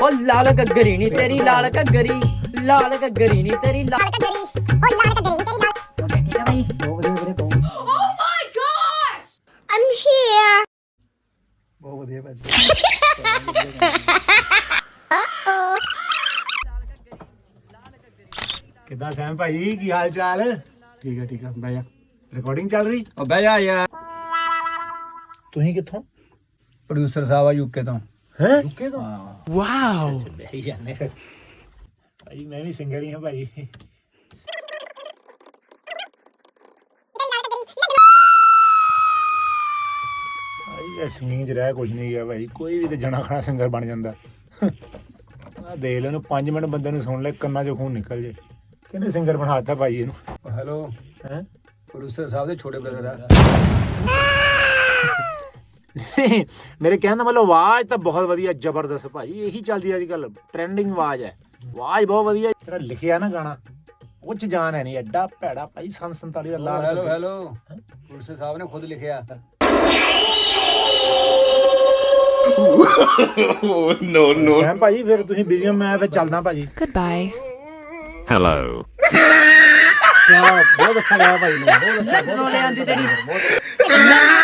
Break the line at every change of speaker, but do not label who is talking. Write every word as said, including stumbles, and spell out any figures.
ਓ ਲਾਲ ਘੱਗਰੀ ਨੀ ਤੇਰੀ ਲਾਲ ਘੱਗਰੀ ਲਾਲ ਘੱਗਰੀ ਨੀ ਤੇਰੀ ਲਾਲ ਘੱਗਰੀ ਓ ਲਾਲ ਘੱਗਰੀ ਨੀ ਤੇਰੀ ਲਾਲ ਓਕੇ ਠੀਕ ਹੈ ਭਾਈ ਬਹੁਤ ਵਧੀਆ ਵੀਰੇ ਬਹੁਤ ਓ ਮਾਈ ਗॉश ਆਮ ਹੇਅਰ
ਬਹੁਤ ਵਧੀਆ ਭਾਜੀ ਕਿੱਦਾਂ ਸੈਮ ਭਾਈ ਕੀ ਹਾਲ ਚਾਲ ਠੀਕ ਹੈ ਠੀਕ ਹੈ ਬਹਿ ਜਾ ਰਿਕਾਰਡਿੰਗ ਚੱਲ ਰਹੀ
ਓ ਬਹਿ ਜਾ ਯਾਰ
ਤੁਸੀਂ ਕਿੱਥੋਂ
ਪ੍ਰੋਡਿਊਸਰ ਸਾਹਿਬ ਆ ਯੂਕੇ ਤੋਂ
ਹੈ ਯੂਕੇ ਤੋਂ
ਹਾਂ
ਵਾਓ ਬਹਿ ਜਾਂਦੇ ਭਾਈ ਮੈਂ ਵੀ ਸਿੰਗਰ ਹੀ ਹਾਂ ਭਾਈ ਭਾਈ ਸਿੰਗਿੰਗ 'ਚ ਰਹਿ ਕੁਝ ਨਹੀਂ ਗਿਆ ਭਾਈ ਕੋਈ ਵੀ ਤੇ ਜਣਾ ਖਣਾ ਸਿੰਗਰ ਬਣ ਜਾਂਦਾ ਆ ਦੇਖ ਲੈ ਨੂੰ ਪੰਜ ਮਿੰਟ ਬੰਦੇ ਨੂੰ ਸੁਣ ਲੈ ਕੰਨਾਂ 'ਚੋਂ ਖੂਨ ਨਿਕਲ ਜੇ ਕਿਹਨੇ ਸਿੰਗਰ ਬਣਾਤਾ ਭਾਈ ਇਹਨੂੰ
ਹੈਲੋ
ਹੈ
ਪ੍ਰੋਡਿਊਸਰ ਸਾਹਿਬ ਦੇ ਛੋਟੇ ਬ੍ਰਦਰ ਆ
ਮੇਰੇ ਕਹਿਣ ਦਾ ਮਤਲਬ ਆਵਾਜ਼ ਤਾਂ ਬਹੁਤ ਵਧੀਆ ਜ਼ਬਰਦਸਤ ਭਾਈ ਇਹੀ ਚੱਲਦੀ ਅੱਜ ਕੱਲ ਟ੍ਰੈਂਡਿੰਗ ਆਵਾਜ਼ ਹੈ ਆਵਾਜ਼ ਬਹੁਤ ਵਧੀਆ ਜਿਹੜਾ ਲਿਖਿਆ ਨਾ ਗਾਣਾ ਉਹ ਚ ਜਾਨ ਹੈ ਨਹੀਂ ਐਡਾ ਭੈੜਾ ਭਾਈ ਸੰਨ ਸੰਤਾਲੀ ਦਾ ਲਾਲ
ਹੈਲੋ ਹੈਲੋ ਪ੍ਰੋਡਿਊਸਰ ਸਾਹਿਬ ਨੇ ਖੁਦ ਲਿਖਿਆ
ਨੋ ਨੋ ਸੈਮ ਭਾਜੀ ਫਿਰ ਤੁਸੀਂ ਬਿਜ਼ੀ ਹੋ ਮੈਂ ਫਿਰ ਚੱਲਦਾ ਭਾਜੀ
Goodbye.
Hello.
ਬਹੁਤ ਅੱਛਾ ਲੱਗਾ ਭਾਈ ਨੂੰ ਬਹੁਤ ਅੱਛਾ
ਰੋਲੇ ਆਂਦੀ ਤੇਰੀ